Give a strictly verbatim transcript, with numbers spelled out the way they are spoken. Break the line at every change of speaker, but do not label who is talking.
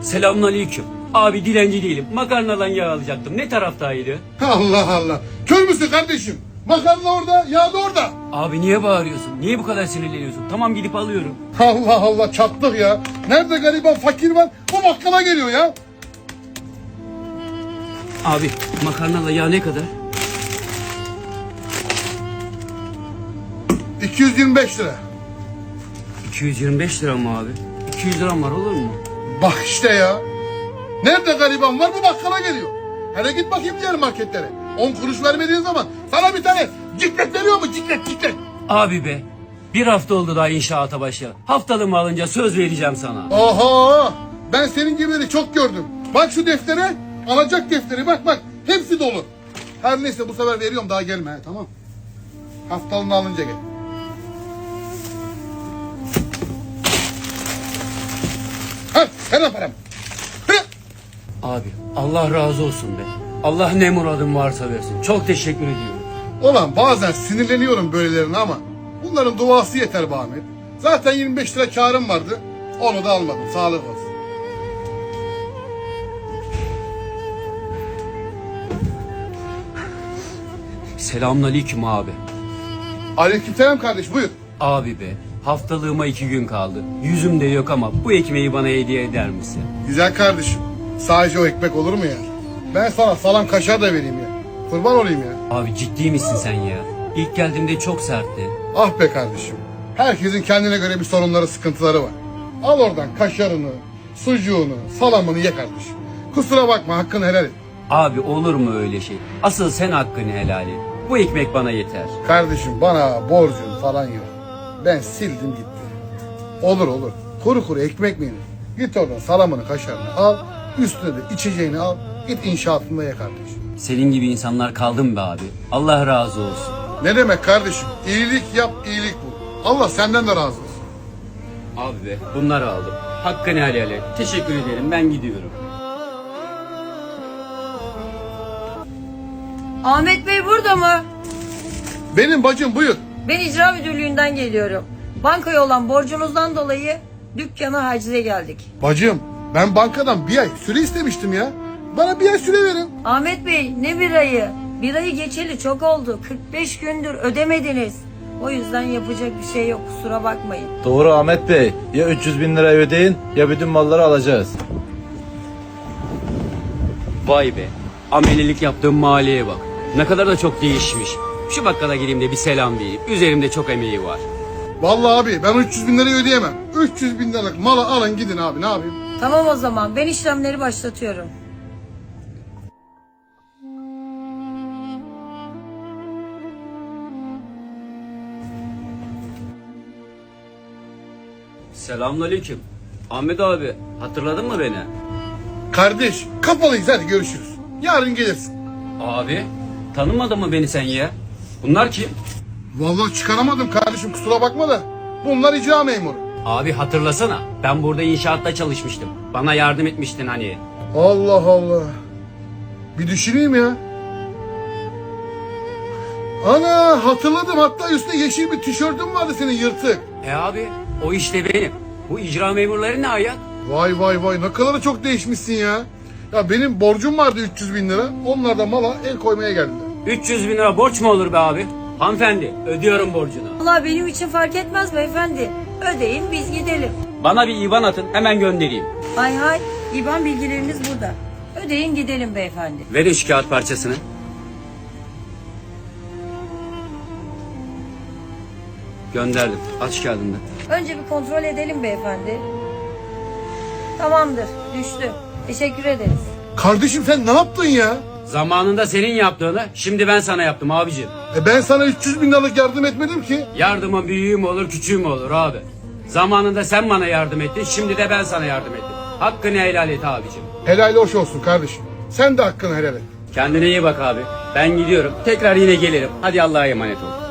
Selamünaleyküm. Abi dilenci değilim. Makarnadan yağ alacaktım. Ne taraftaydı?
Allah Allah. Kör müsün kardeşim? Makarna orada, yağ da orada.
Abi niye bağırıyorsun? Niye bu kadar sinirleniyorsun? Tamam gidip alıyorum.
Allah Allah çattık ya. Nerede gariban fakir var? Bu bakkala geliyor ya.
Abi makarnalı yağ ne kadar?
iki yüz yirmi beş lira.
iki yüz yirmi beş lira mı abi? iki yüz liram var olur mu?
Bak işte ya. Nerede gariban var bu bakkala geliyor. Hele git bakayım diğer marketlere. on kuruş vermediğin zaman sana bir tane ciklet veriyor mu? Ciklet ciklet.
Abi be. Bir hafta oldu daha inşaata başlayalı. Haftalığımı alınca söz vereceğim sana.
Oha. Ben senin gibileri çok gördüm. Bak şu deftere. Alacak defteri bak bak. Hepsi dolu. Her neyse bu sefer veriyorum daha gelme he, tamam. Haftalığını alınca gel. Ha, ver lan paramı. Hı.
Abi Allah razı olsun be. Allah ne muradın varsa versin. Çok teşekkür ediyorum.
Ulan bazen sinirleniyorum böylelerine ama bunların duası yeter be Ahmet. Zaten yirmi beş lira karım vardı. Onu da almadım. Sağlık olsun.
Selamünaleyküm abi.
Aleykümselam kardeş buyur.
Abi be. Haftalığıma iki gün kaldı. Yüzüm de yok ama bu ekmeği bana hediye eder misin?
Güzel kardeşim. Sadece o ekmek olur mu ya? Ben sana salam kaşar da vereyim ya. Kurban olayım ya.
Abi ciddi misin sen ya? İlk geldiğimde çok sertti.
Ah be kardeşim. Herkesin kendine göre bir sorunları, sıkıntıları var. Al oradan kaşarını, sucuğunu, salamını ye kardeşim. Kusura bakma hakkını helal et.
Abi olur mu öyle şey? Asıl sen hakkını helal et. Bu ekmek bana yeter.
Kardeşim bana borcun falan yok. Ben sildim gitti. Olur olur. Kuru kuru ekmek mi yenir? Git oradan salamını, kaşarını al. Üstüne de içeceğini al. Git inşaatında ye kardeşim.
Senin gibi insanlar kaldı mı be abi? Allah razı olsun.
Ne demek kardeşim? İyilik yap, iyilik bul. Allah senden de razı olsun.
Abi be bunları aldım. Hakkını helal et. Teşekkür ederim ben gidiyorum.
Ahmet Bey burada mı?
Benim bacım buyur.
Ben icra müdürlüğünden geliyorum. Bankaya olan borcunuzdan dolayı dükkana hacize geldik.
Bacım ben bankadan bir ay süre istemiştim ya. Bana bir ay süre verin.
Ahmet Bey ne bir ayı? Bir ayı geçeli çok oldu. kırk beş gündür ödemediniz. O yüzden yapacak bir şey yok kusura bakmayın.
Doğru Ahmet Bey. Ya üç yüz bin lirayı ödeyin ya bütün malları alacağız.
Vay be. Amelilik yaptığım mahalleye bak. Ne kadar da çok değişmiş. Şu bakkala gireyim de bir selam vereyim. Üzerimde çok emeği var.
Vallahi abi ben üç yüz bin lirayı ödeyemem. üç yüz bin liralık malı alın gidin abi ne yapayım?
Tamam o zaman ben işlemleri başlatıyorum.
Selamünaleyküm. Ahmet abi hatırladın mı beni?
Kardeş kapalıyız hadi görüşürüz. Yarın gelirsin.
Abi tanımadın mı beni sen ya? Bunlar kim?
Vallahi çıkaramadım kardeşim kusura bakma da. Bunlar icra memuru.
Abi hatırlasana. Ben burada inşaatta çalışmıştım. Bana yardım etmiştin hani.
Allah Allah. Bir düşüneyim ya. Ana hatırladım hatta üstünde yeşil bir tişörtün vardı senin yırtık.
E abi o işte benim. Bu icra memurları ne ayak?
Vay vay vay ne kadar çok değişmişsin ya. Ya benim borcum vardı üç yüz bin lira. Onlar da mala el koymaya geldiler.
üç yüz bin lira borç mu olur be abi? Hanımefendi ödüyorum borcunu.
Vallahi benim için fark etmez beyefendi. Ödeyin biz gidelim.
Bana bir IBAN atın hemen göndereyim.
Hay hay İban bilgileriniz burada. Ödeyin gidelim beyefendi.
Verin şu kağıt parçasını. Gönderdim. Aç kağıdını.
Önce bir kontrol edelim beyefendi. Tamamdır düştü. Teşekkür ederiz.
Kardeşim sen ne yaptın ya?
Zamanında senin yaptığını şimdi ben sana yaptım abicim.
E ben sana üç yüz bin liralık yardım etmedim ki.
Yardımın büyüğü mü olur küçüğü mü olur abi? Zamanında sen bana yardım ettin şimdi de ben sana yardım ettim. Hakkını helal et abicim.
Helal hoş olsun kardeşim. Sen de hakkını helal et.
Kendine iyi bak abi. Ben gidiyorum. Tekrar yine gelirim. Hadi Allah'a emanet ol.